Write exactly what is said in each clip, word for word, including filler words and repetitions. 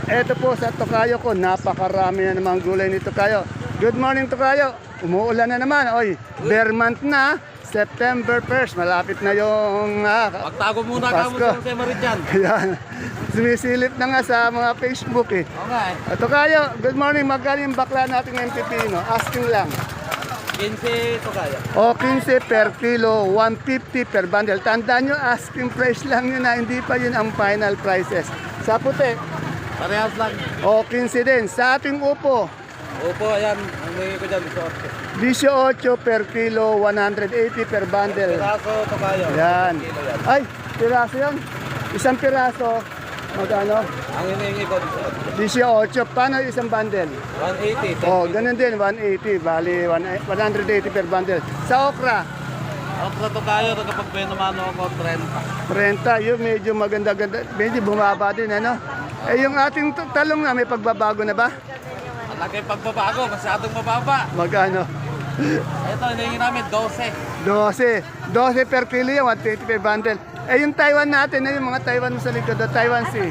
Eto po sa Tokayo ko, napakarami na namang gulay ni Tokayo. Good morning Tokayo. Umuulan na naman. Oy, bare month na. September first, malapit na yung ah, Pagtago muna ka mo Pasko. sa Marityan. Ayan. Sumisilip na nga sa mga Facebook eh. Okay. Ito kayo, good morning. Magkano yung bakla nating M P P, no? Asking lang. quince to kaya. O, fifteen per kilo, one fifty per bundle. Tandaan nyo, asking price lang yun na, hindi pa yun ang final prices. Sa puti, Parehas lang. o, fifteen din. Sa ating upo, Opo, ayan. Ang may ko dyan. Sorte. eighteen per kilo, one eighty per bundle. Piraso to kaya. Yan. Kilo yan. Ay, piraso yan. Isang piraso, magkano? Ang hinihingi ko. eighteen. Paano isang bundle? one eighty. Oh, ganun din, one eighty. Bali, one eighty per bundle. Sa okra, Okra to kaya. Kapag may naman ako, thirty. thirty. Yung medyo maganda-ganda. Medyo bumaba din, ano? Eh, yung ating t- talong na, may pagbabago na ba? Ang laki pagbabago. Masyadong mababa. Magkano? Ito, hinihingi namin twelve. twelve. twelve per kilo yan, one twenty per bundle. Eh, yung Taiwan natin, eh, yung mga Taiwan mo sa likod, the Taiwan Sea.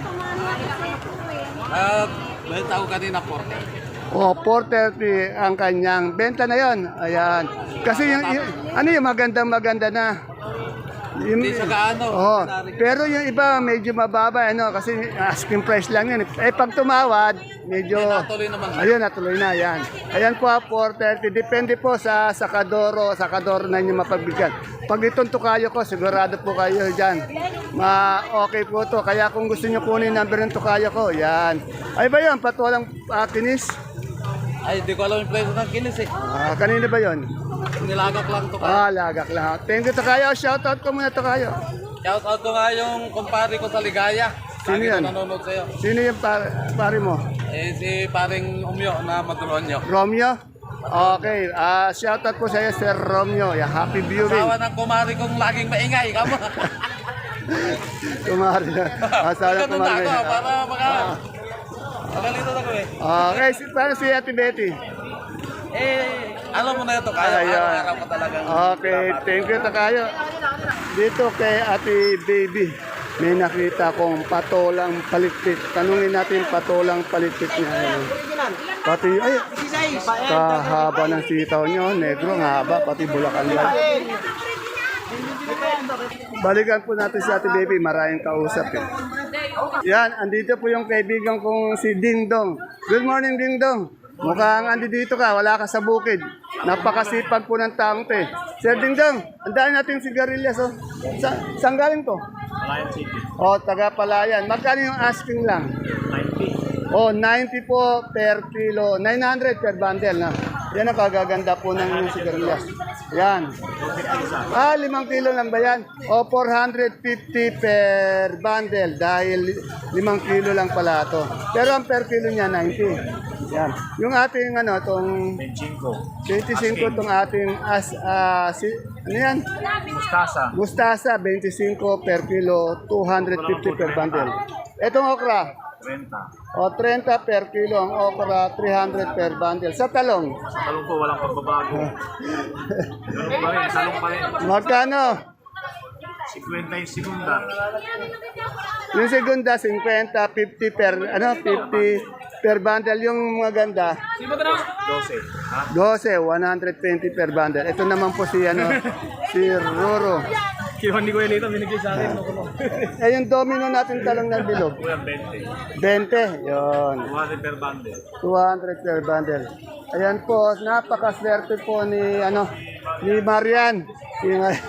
At may tao kanina forty. Oh, four thirty ang kanyang benta na yon. Ayan. Kasi yung, yung ano yung magandang maganda na. Yung, Hindi siya gaano. oh, pero yung iba medyo mababa ano kasi asking price lang yun. Eh pag tumawad, medyo Hindi, natuloy naman. ayun, natuloy na yan. Ayan po, four thirty. Depende po sa sakadoro, sakadoro na inyo mapagbigyan. Pag itong tukayo ko, sigurado po kayo dyan. Ma okay po to. Kaya kung gusto nyo kunin yung number ng tukayo ko, yan. Ay ba yun? Patulang uh, kinis? Ay, di ko alam yung presyo ng kinis eh. Ah, kanina ba yun? Nilagak lang to kaya. Ah, lagak lang. Thank you, Tokayo. Shoutout ko muna, Tokayo. Shout out ko nga yung kumpare ko sa Ligaya. Sino Lagi yan? ko nanonood sa'yo. Sino yung pare, pare mo? Eh, si paring Umyo na Madronyo. Romeo? Okay. Ah, shoutout po sa iyo, Sir Romeo. Yeah, happy viewing. Asawa ng kumari kong laging maingay. Kamo. Kumari na. Asawa ng Ganun na kumari. ako para maka... Magalito na ko eh. Okay. Si, paano si Ate Betty? Eh, alam mo na ito. Kaya Ayan. araw-araw ko talagang... Okay. Thank you, Tokayo. Dito kay Ate Baby. May nakita kong patolang palikpik. Tanungin natin patolang palikpik niya. Ayan. Pati, ay, kahaba ng sitaw nyo. Negro, ang haba. Pati bulakan lang. Balikan po natin si Ate Baby. Maraming kausap eh. Yan, andito po yung kaibigan kong si Dingdong. Good morning, Dingdong. Mukhang andi dito ka, wala ka sa bukid. Napakasipag po ng taong to eh. Sir Dingdong, ang dami natin sigarilyas oh. Sa, saan galing to? Palayan City. Oh, taga Palayan. Magkano yung asking lang? ninety. Oh, ninety po per kilo. nine hundred per bundle na. Yan ang kagaganda po ng yung sigarilyas. Yan. Ah, limang kilo lang ba yan? O, four hundred fifty per bundle dahil limang kilo lang pala ito. Pero ang per kilo niya, ninety. Yan. Yung ating ano, itong twenty-five itong ating as, ah, si, ano yan? Mustasa. Mustasa, twenty-five per kilo, two hundred fifty per bundle. Itong okra, thirty. o thirty per kilo ang okra, three hundred per bundle. Sa talong, Sa talong po, walang pagbabago. Talong pa rin, talong pa rin. magkano? fifty yung segunda. Yung segunda, fifty, fifty per, ano, fifty per bundle. Yung maganda, twelve. Ha? twelve, one hundred twenty per bundle. Ito naman po si, ano, si Roro. Kaya hindi ko yan ito, binigay sa akin. Eh, yung domino natin talong ng bilog, Kuya, twenty. twenty. Yun. two hundred per bundle. two hundred per bundle. Ayan po, napakaswerte po ni ano ni Marian. Si,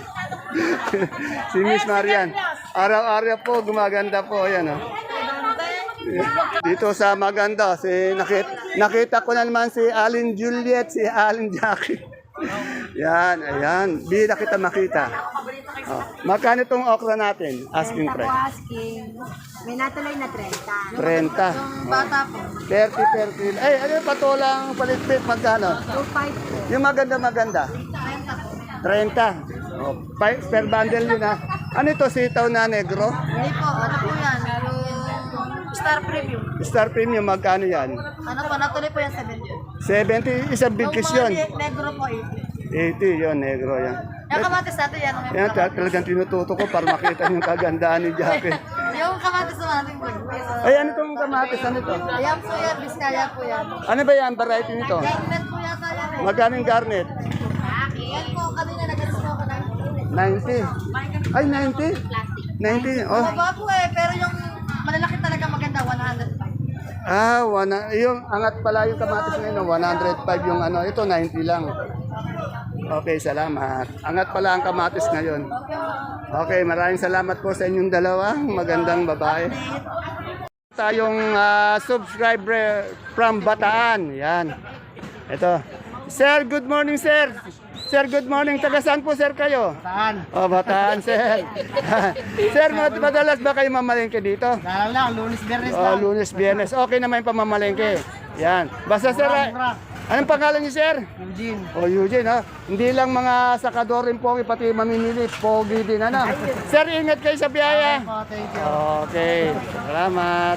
si Miss Marian. Araw-araw po gumaganda po ayan oh. Dito sa maganda, si nakita, nakita ko na naman si Alin Juliet, si Alin Jackie. Yan, ayan. Bida kita makita. Oh. Magkano itong okra natin? Asking Ako price. asking. May natuloy na thirty. thirty. Yung bata po, thirty per kilo. Ay, ano yung patolang palitpit? Magkano? two five po. Yung maganda maganda. thirty po. thirty. Oh, pa- per bundle yun ha. Ano ito, sitaw na negro? Hindi po, ano po yan? Yung Star Premium. Star Premium, magkano yan? Ano po, natuloy po yan seventy. seventy, isang big kiss yun. Yung mga negro po, eighty. eighty yun, negro yan. Yung kamatis natin yan. Yung, Yan, tal- talagang tinututo ko para makita yung kagandaan ni Jackie. yung kamatis naman natin po. Ay, ano itong kamatis? Ano ito? Ayan po yan, Biskaya po yan. Ano ba yan? Variety nito? Garnet po yata yan eh. Magkano yung garnet? Yan po, kanina nag-alis po ako ng ninety. Ay, ninety? ninety. Oh. Mababa po eh, pero yung malalaki talaga maganda, one hundred five. Ah, wana, yung angat pala yung kamatis ngayon, one hundred five yung ano, ito ninety lang. Okay, salamat. Angat pala ang kamatis ngayon. Okay, maraming salamat po sa inyong dalawang magandang babae. Tayong ah, subscriber from Bataan. Yan. Ito. Sir, good morning, sir. Sir, good morning. Taga saan po, sir, kayo? Saan? Oh, Bataan, sir. Sir, mad- madalas ba kayo mamalengke dito? Dalaw lang, lunes, bernes Oh, lang. lunes, biyernes. Okay naman yung pamamalengke. Yan. Basta, sir, Mura, ah, mura. anong pangalan niyo, sir? Eugene. O Eugene, ha? Hindi lang mga sakador rin pogi, pati mamimili, pogi din, ano? Sir, ingat kayo sa biyaya. Oh, thank you. Okay, salamat.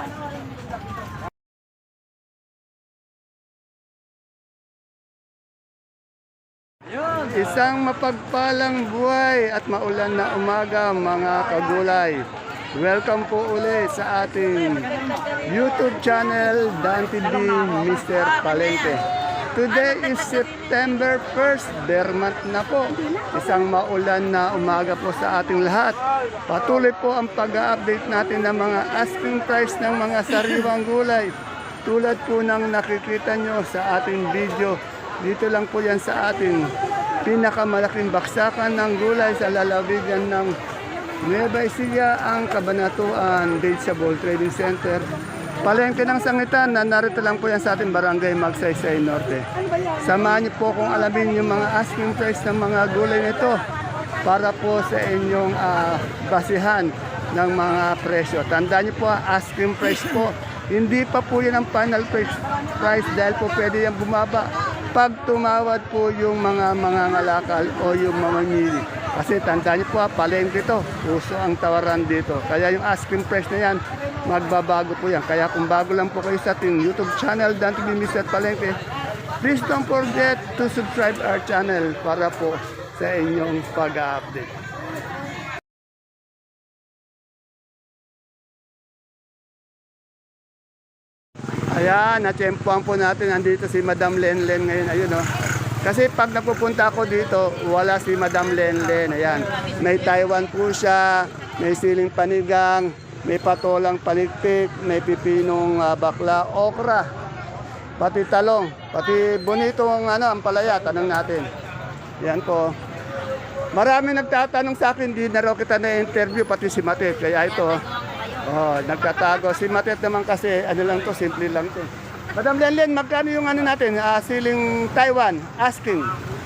Isang mapagpalang buhay at maulan na umaga, mga kagulay. Welcome po ulit sa ating YouTube channel, Dan T V, Mister Palengke. Today is September first, bare month na po. Isang maulan na umaga po sa ating lahat. Patuloy po ang pag-update natin ng mga asking price ng mga sariwang gulay. Tulad po ng nakikita nyo sa ating video. Dito lang po yan sa ating pinakamalaking baksakan ng gulay sa lalawigan ng Nueva Ecija, ang Cabanatuan Vegetable Trading Center. Palengke ng Sangitan, na narito lang po yan sa ating barangay Magsaysay Norte. Samahan niyo po kung alamin yung mga asking price ng mga gulay nito para po sa inyong ah, basihan ng mga presyo. Tandaan niyo po, asking price po. Hindi pa po yan ang final price, price dahil po pwede yan bumaba pag tumawad po yung mga mga ngalakal o yung mamamili. Kasi tandaan niyo po, palengke ito, uso ang tawaran dito. Kaya yung asking price na yan, magbabago po yan. Kaya kung bago lang po kayo sa ating YouTube channel, Dan T V Mister Palengke, please don't forget to subscribe our channel para po sa inyong pag-update. Ayan, natsyempohan po natin. Nandito si Madam Lenlen ngayon. Ayun, oh. Kasi pag napupunta ako dito, wala si Madam Lenlen. Ayan, may Taiwan po siya, may siling panigang, may patolang palikpik, may pipinong ah, bakla, okra, pati talong, pati bonito ang ano, ang palaya. Tanong natin. Yan po. Marami nagtatanong sa akin, di na raw kita na-interview, pati si Matet. Kaya ito, oh, nagtatago. Si Matet naman kasi, ano lang to, simple lang to. Madam Lenlen, magkano yung ano natin, ah, siling Taiwan, asking?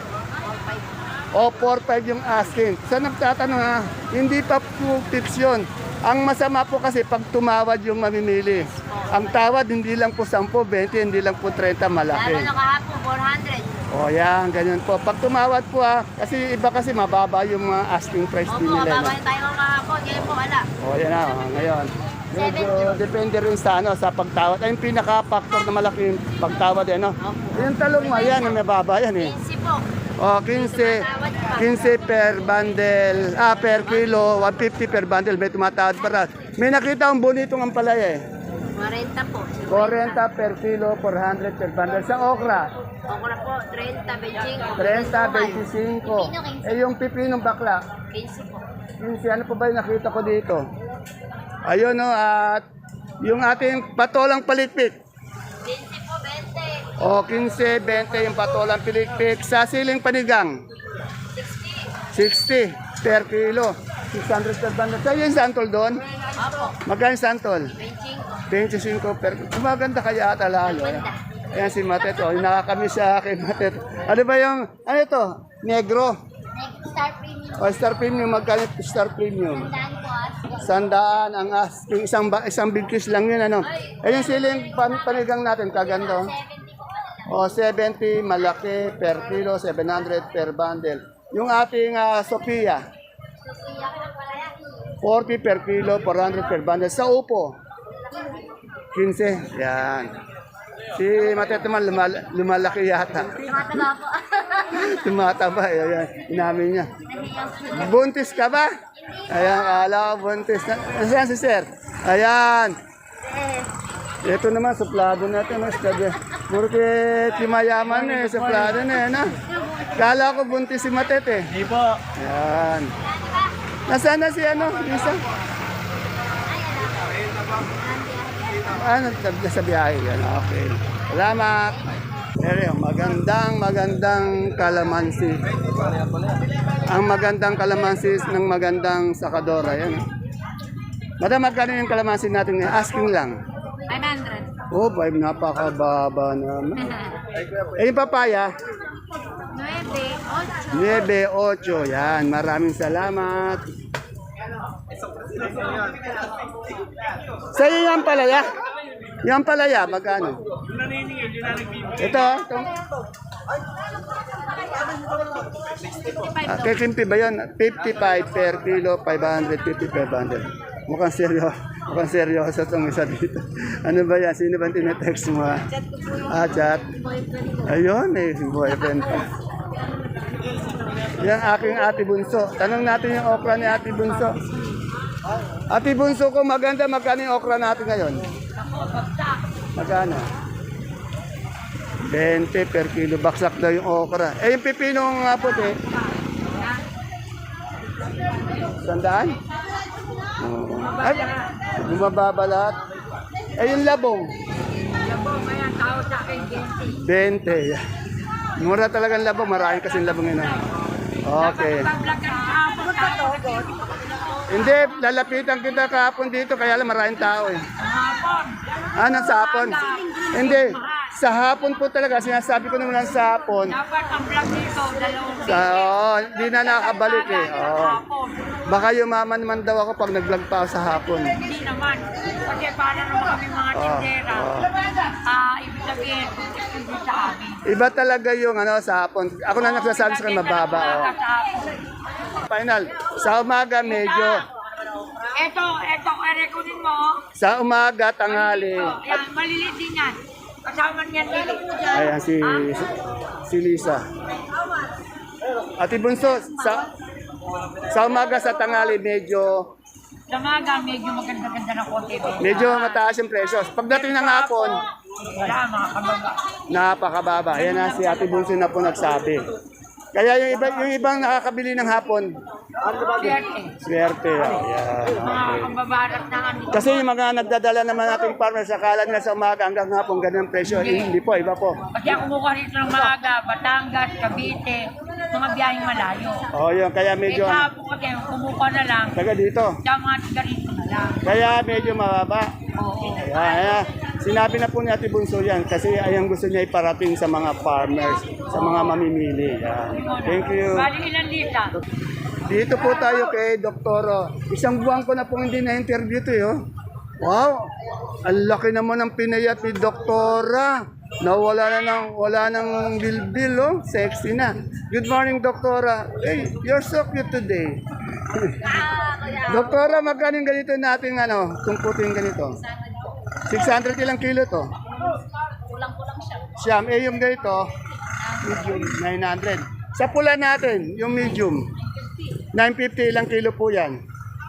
O, four five yung asking. Sa nagtatanong ha, hindi pa po tips yun. Ang masama po kasi pag tumawad yung mamimili. Ang tawad, hindi lang po ten, twenty, hindi lang po thirty, malaki. Lalo na kahapon, four hundred. O yan, ganyan po. Pag tumawad po ha, kasi iba kasi mababa yung mga asking price din Opo, nila. No? babay tayo kahapon, yan po wala. O yan na, o, ngayon. Medyo depende rin sa ano, sa pagtawad. Ay, yung pinaka-factor na malaking pagtawad eh, no? Yung talong mo, yan, may baba yan eh. Easy po. O, fifteen, fifteen per bundle, ah, per kilo, one fifty per bundle, may tumatawad para. May nakita akong bonitong ampalaya eh. forty po. forty per kilo, four hundred per bundle. Sa okra, Okra po, thirty, twenty-five. thirty, twenty-five. Eh, yung pipinong bakla, fifty po. fifteen, ano pa ba yung nakita ko dito? Ayun no, at yung ating patolang palikpik. fifty po, twenty. O, fifteen, twenty yung patolang palikpik. Sa siling panigang, sixty. sixty per kilo. six hundred per bundle. Sa'yo yung santol doon? Opo, Magkano yung santol? twenty-five. twenty-five per kilo. Maganda kaya ata lalo. Ayan, Ayan si Matet. O, nakakamiss siya kay Matet. Ano ba yung, ano ito? Negro. Next, star premium. O, Star Premium. Magkano yung Star Premium? Sandaan po, as. Sandaan ang asking. Isang, ba- isang big kiss lang yun. Ano? Ayun siling pan, panigang natin. Kaganda. O, seventy malaki per kilo. seven hundred per bundle. Yung ating ah, Sophia. forty per kilo. four hundred per bundle. Sa upo. fifteen. Yan. Si Matet naman lumal- lumalaki yata. Tumataba po. Tumataba. Ayan. Inamin niya. Buntis ka ba? Ayan, kala ko buntis. Na- Nasaan si sir? Ayan. Ito naman, suplado natin. Mas kabe. Porque timayaman eh, suplado na eh, na. Kala ko buntis si Matet eh. Hindi po. Yan. Nasaan na si ano, Lisa? Ah, nagtabla sa biyahe yan. Okay. Salamat. Pero magandang magandang kalamansi. Ang magandang kalamansi ng magandang sakadora. Yan. Madam, magkano yung kalamansi natin ngayon? Asking lang. five hundred. Oh, five, napakababa naman. Eh, yung papaya? nine, eight. nine, eight. Yan, maraming salamat. Sa iyo yung palaya? Yung palaya, magkano? Ito, ito. Ah, kay Kimpi ba yun? fifty-five per kilo, five hundred fifty per bundle. Mukhang seryoso. Mukhang seryoso itong isa dito. Ano ba yan? Sino ba tinetext mo? ah? Ah, chat. Ayun eh, boyfriend pa. Yan aking ate bunso. Tanong natin yung okra ni ate bunso. Ate bunso ko, maganda. Magkano yung okra natin ngayon? Magkano? twenty per kilo. Baksak daw yung okra. Eh, yung pipinong nga puti. Sandaan? Oo. Ay, bumababa lahat. Eh, yung labong? Labong, ayan, tao sa akin, twenty. Mura talaga ang labong. Marami kasing labong yun. ah. Okay. Hindi, lalapitan kita kahapon dito. Kaya lang maraming tao eh. Ah, nang sa hapon? Hindi. Sa hapon po talaga. Sinasabi ko naman lang sa hapon. Dapat ang vlog dito, dalawang Sa, oh, hindi na nakabalik eh. Oh. Baka yumaman naman daw ako pag nag-vlog pa ako sa hapon. Hindi naman. Kasi para naman kami mga tindera. Ah, ibig sabihin, hindi sa amin. Iba talaga yung ano sa hapon. Ako na nagsasabi sa kanya mababa. Oh. Final. Sa umaga medyo. Ito, ito, erekunin mo. Sa umaga, tanghali. Yan, maliliit din yan. Kasama niyan dito. Ayan si, si Lisa. Ate Bunso, sa, sa umaga sa tanghali medyo Sa maga, medyo maganda-ganda na konti. medyo mataas yung presyo. Pagdating ng hapon, Wala, mga kababa. napakababa. Ayan na si Ate Bunso na po nagsabi. Kaya yung, iba, yung ibang nakakabili ng hapon, Swerte. swerte. Oh, yeah. Mga kababarat na ano. Kasi yung mga nagdadala naman nating farmers, akala nila sa umaga hanggang hapon, ganyan ang presyo. Eh, hindi po, iba po. Kasi ako kumukuha rito ng Maga, Batangas, Cavite, mga biyaheng malayo. Oh, yun, kaya Eh, medyo, sa po kasi, kumukuha na lang, taga dito. sa mga tiga rito na lang. Kaya medyo mababa. Oo. Ayan, ayan. Sinabi na po ni Ate Bunso yan kasi ayang gusto niya iparating sa mga farmers, sa mga mamimili. Yan. Thank you. Bali ilan lita? Dito po tayo kay Doktoro. Isang buwan ko na pong hindi na-interview ito. Eh, oh. Wow! Ang laki naman ng pinayat ni Doktora. Nawala na ng, wala nang bilbil, oh. Sexy na. Good morning, Doktora. Hey, you're so cute today. Doktora, magkano yung ganito natin, ano, kung puting ganito? six hundred ilang kilo to? Kulang-kulang siya. Siyam. Eh, yung ganito, medium, nine hundred. Sa pula natin, yung medium, nine fifty ilang kilo po yan?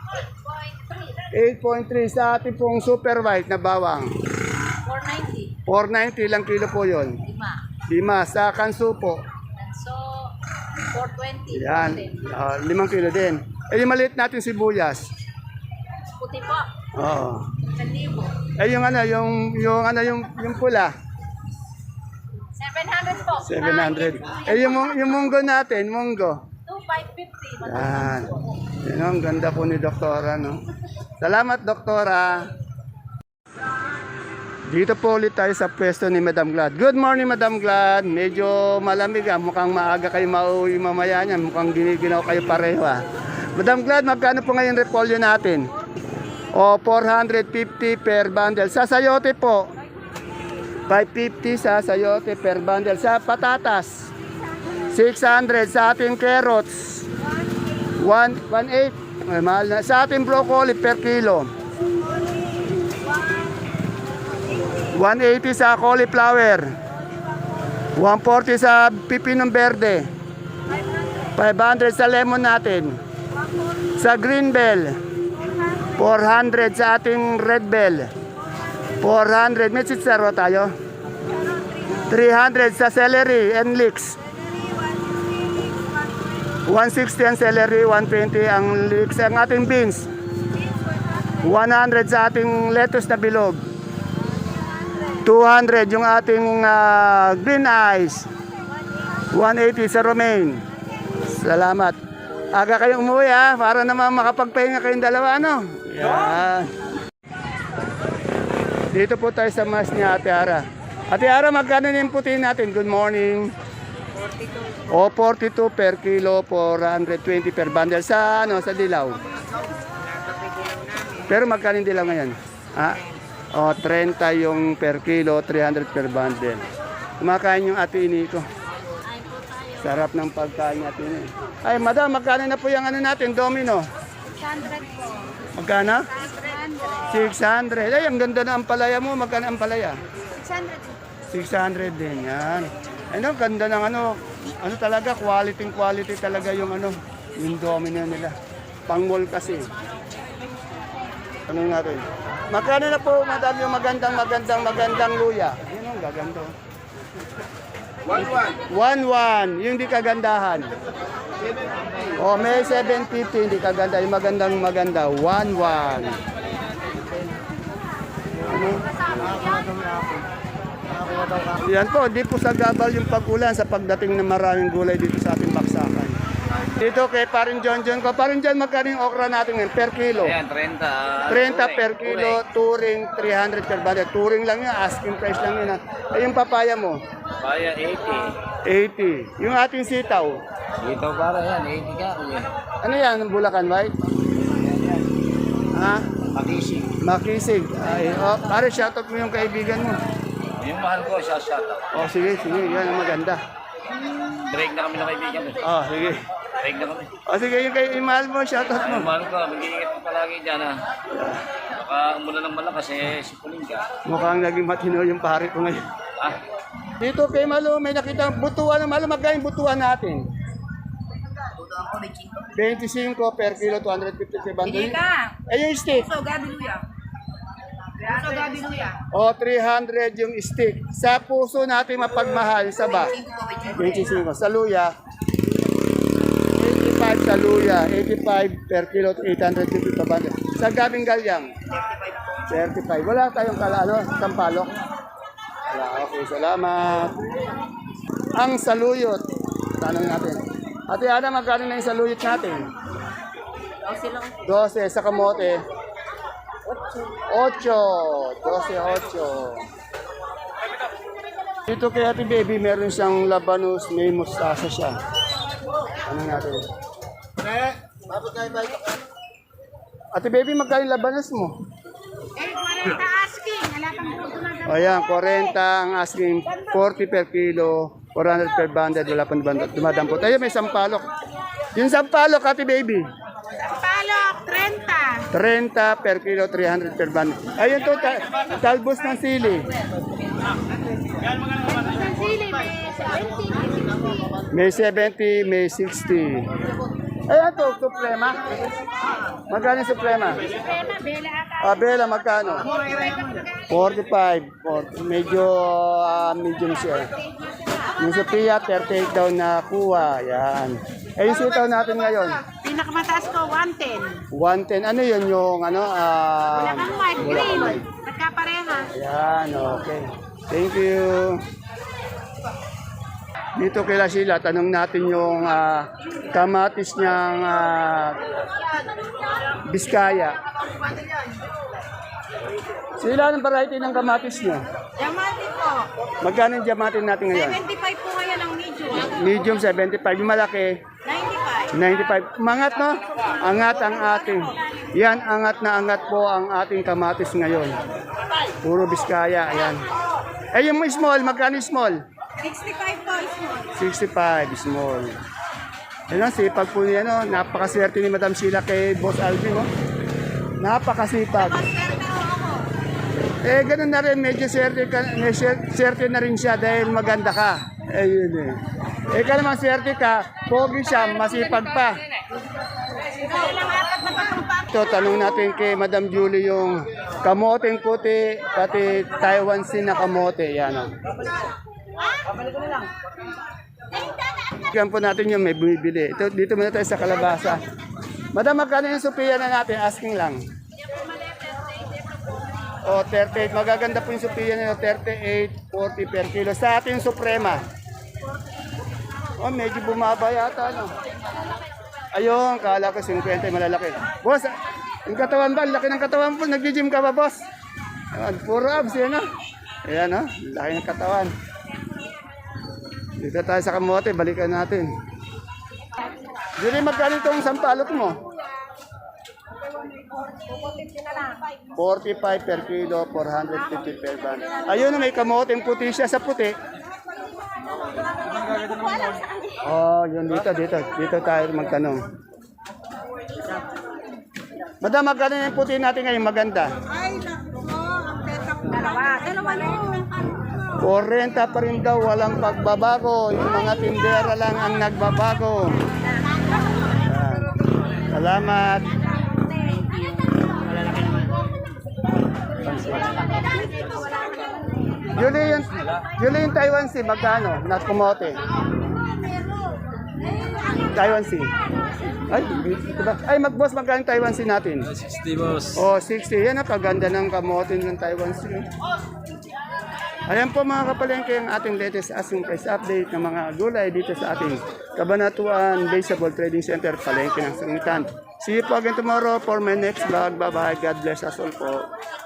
eight point three. Sa ating pong super white na bawang, four ninety. four ninety ilang kilo po yon? Lima. Lima. Sa kanso po, So, four twenty. yan, ah, limang kilo din. Eh, yung maliit natin sibuyas. Puti po. Oo. Isang libo. Eh, yung ano, yung, yung ano, yung, yung pula, seven hundred po. seven hundred. Eh, yung, mung- yung munggo natin, munggo. two five fifty. Yan. Yan ang ganda po ni Doktora, no? Salamat, Doktora. Dito po ulit tayo sa pwesto ni Madam Glad. Good morning, Madam Glad. Medyo malamig ah. Mukhang maaga kayo mauwi mamaya niyan. Mukhang giniginaw kayo pareho ah. Madam Glad, magkano po ngayon repolyo natin? O, four hundred fifty per bundle. Sa sayote po, five fifty sa sayote per bundle. Sa patatas, six hundred. Sa ating carrots, one eight. Ay, mahal na. Sa ating broccoli per kilo, one eighty sa cauliflower, one forty sa pipinong berde, five hundred sa lemon natin. Sa green bell, four hundred sa ating red bell, four hundred. May chicharo tayo. three hundred sa celery and leeks. one sixty ang celery, one twenty ang leeks. Ang ating beans. one hundred sa ating lettuce na bilog. two hundred yung ating uh, green ice. one eighty sa romaine. Salamat. Aga kayong umuwi ha, para naman makapagpahinga kayong dalawa, ano? Yan. Dito po tayo sa mas ni Ate Ara. Ate Ara, magkano na yung puti natin? Good morning. forty-two. O, forty-two per kilo, four hundred twenty per bundle. Sa, ano, sa dilaw? Pero magkano yung dilaw ngayon? Ah, o, thirty yung per kilo, three hundred per bundle. Kumakain yung Ate Ini ko. Sarap ng pagkain natin eh. Ay, madam, magkano na po yung ano natin, domino? six hundred po. Magkano? six hundred. six hundred. Ay, ang ganda na ang palaya mo. Magkano ang palaya? six hundred. six hundred din, yan. Ay, no, ganda ng ano, ano talaga, quality quality talaga yung ano, yung domino nila. Pang-mall kasi. Tanong natin. Magkano na po, madam, yung magandang, magandang, magandang luya? Yun ang gaganda. one one. one one, yung di kagandahan. Oh, may seven fifty, hindi kaganda. Yung magandang maganda, one one. Ano? Yan po, di po sa gabal yung pag-ulan sa pagdating ng maraming gulay dito sa ating baksakan. Dito kay Parin John John ko. Parin John, magkano yung okra natin ngayon per kilo? Ayan, thirty. thirty per kilo, touring three hundred per bundle. Touring lang yun, asking price lang yun. Ha. Eh, yung papaya mo? Kaya eighty. eighty. Yung ating sitaw? Dito para yan, eighty ka. Kuya. Ano yan, Bulacan White? Ha? Makisig. Makisig. Ay, oh, pare, shoutout mo yung kaibigan mo. Yung mahal ko, siya shout out. Oh, sige, sige, yan ang maganda. Break na kami ng kaibigan. Eh. Oh, sige. Break na kami. Oh, sige, yung kay mahal mo, shoutout mo. Yung mahal ko, mag-iingat ko palagi dyan ha. Baka umula ng malakas eh, sipunin ka. Mukhang naging matino yung pare ko ngayon. Ah, Dito kay Malo, may nakita butuan ng Malo. Magkano yung butuan natin? twenty-five per kilo, two hundred fifty per bundle. Hindi ka. Eh, yung stick? So, gabi luya. So, gabi luya. O, three hundred yung stick. Sa puso natin mapagmahal, sa ba? twenty-five. Sa luya, eighty-five sa luya. eighty-five per kilo, eight hundred fifty per bundle. Sa gabing galyang? thirty-five. Wala tayong kala, ano, sampalok? Wala, okay, salamat. Ang saluyot, tanong natin. Ate Ana, magkano na yung saluyot natin? twelve sa kamote. eight. twelve, eight. Dito kay Ate Baby, meron siyang labanos, may mustasa siya. Ano natin? Ate Baby, magkano yung labanos mo? Eh, forty asking. Wala kang buto na O yan, forty ang asking, forty per kilo, four hundred per bundle, wala pang bundle, dumadampot. Ayun, may sampalok. Yung sampalok, Ate Baby, palok, thirty. thirty per kilo, three hundred per bundle. Ayun to, ta- talbos ng sili. Isang sili, may seventy, May seventy, may sixty. Ayan to, suprema. Magkano yung suprema? Prema, bela ata. Ah, Bella, magkano? forty-five. forty. Medyo ah, medium siya. Yung Sophia, thirty-eight daw na kuha. Yan. Eh, yung sitaw natin ngayon? Pinakamataas ko, one ten. one ten. Ano yun yung ano? ah Wala kang white, wala green. kang white. Nagkapareha. Ayan, okay. Thank you. Dito kay Sheila, tanong natin yung ah, kamatis niyang ah, Biskaya. Sila, anong variety ng kamatis niyo? Diamante po. Magkano yung diamante natin ngayon? seventy-five po ngayon ang medium. Medium, seventy-five. Yung malaki, ninety-five. ninety-five. Mangat, no? Angat ang ating. Yan, angat na angat po ang ating kamatis ngayon. Puro Biskaya, ayan. Eh, yung small, magkano yung small? sixty-five po is mo. sixty-five, small. Ayun, sipag po niya, no? Napakaswerte ni Madam Sheila kay Boss Alvin, no? Napakasipag. Swerte ho ako. Eh, ganun na rin, medyo swerte, ka, may swer- swerte na rin siya dahil maganda ka. Eh, yun eh. Eh, ka naman swerte ka, pogi siya, masipag pa. Ikaw lang apat na patumpang. Ito, tanong natin kay Madam Julie yung Kamoteng puti, pati Taiwan Sea na kamote. Yan o. Yan po natin yung may bumibili. Ito, dito muna tayo sa kalabasa. Madam, magkano yung Sophia na natin? Asking lang. O, thirty-eight. Magaganda po yung Sophia na thirty-eight, forty per kilo. Sa ating Suprema. O, medyo bumaba yata, no? Ayun, kala ko fifty, malalaki. Boss, yung katawan ba? Laki ng katawan po. Nag-gym ka ba, boss? Ayan, puro abs, yan, no? Ayan, no? Laki ng katawan. Dito tayo sa kamote, balikan natin. Julie, magkano itong sampalok mo? forty-five per kilo, four hundred fifty per bundle. Ayun, may kamoteng puti siya sa puti. Oh, yun dito, dito. Dito tayo magtanong. Madam, magkano yung puti natin ngayon maganda? Ay, naku mo. Ang peta ko. Dalawa. Dalawa na forty pa rin daw, walang pagbabago. Yung mga tindera lang ang nagbabago. Yan. Salamat. Julie, yung, Julie, yung Taiwan Sea, magkano? Na kumote. Taiwan Sea. Ay, diba? Ay, mag-boss, magkano yung Taiwan Sea natin? sixty boss. Oh, sixty. Yan ang kaganda ng kamote ng Taiwan Sea. Ayan po mga kapalengke ang ating latest asking price update ng mga gulay dito sa ating Cabanatuan Vegetable Trading Center, Palengke ng Sangitan. See you po again tomorrow for my next vlog. Bye-bye. God bless us all po.